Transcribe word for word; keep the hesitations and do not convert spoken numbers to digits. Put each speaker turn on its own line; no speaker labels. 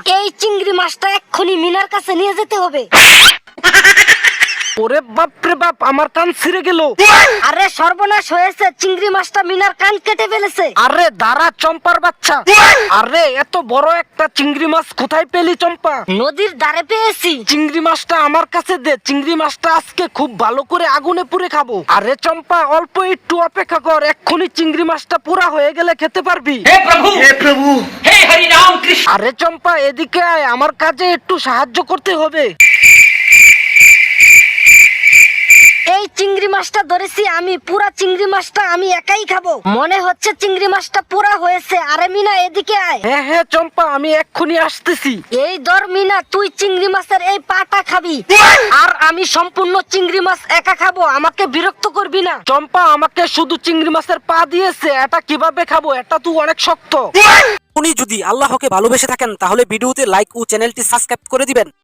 এই চিংড়ি মাছটা এক্ষুনি মিনার কাছে নিয়ে যেতে হবে।
ওরে বাপ রে বাপ, আমার কান ছিঁড়ে গেল।
আরে সর্বনাশ হয়েছে, চিংড়ি মাছটা মিনার কান কেটে ফেলেছে।
আরে দাঁড়া চম্পার বাচ্চা, আরে এত বড় একটা চিংড়ি মাছ কোথায় পেলি চম্পা?
নদীর ধারে পেয়েছি।
চিংড়ি মাছটা আমার কাছে দে, চিংড়ি মাছটা আজকে খুব ভালো করে আগুনে পুড়ে খাবো। আরে চম্পা অল্প একটু অপেক্ষা কর, এক্ষুনি চিংড়ি মাছটা পুরা হয়ে গেলে খেতে পারবি।
हे प्रभु हे प्रभु हे हरि राम कृष्ण।
আরে চম্পা এদিকে আয়, আমার কাজে একটু সাহায্য করতে হবে।
এই চিংড়ি মাছটা ধরেছি আমি, পুরা চিংড়ি মাছটা আমি একাই খাবো। মনে হচ্ছে চিংড়ি মাছটা পুরা হয়েছে। আরে মিনা এদিকে আয়।
হ্যাঁ হ্যাঁ চম্পা, আমি এক্ষুনি আসতেছি।
এই ধর মিনা, তুই চিংড়ি মাছের এই পাটা খাবি, আর আমি সম্পূর্ণ চিংড়ি মাছ একা খাবো। আমাকে বিরক্ত করবি না।
চম্পা আমাকে শুধু চিংড়ি মাছের পা দিয়েছে, এটা কিভাবে খাবো? এটা তো অনেক শক্ত।
উনি যদি আল্লাহকে ভালোবেসে থাকেন তাহলে ভিডিওতে লাইক ও চ্যানেলটি সাবস্ক্রাইব করে দিবেন।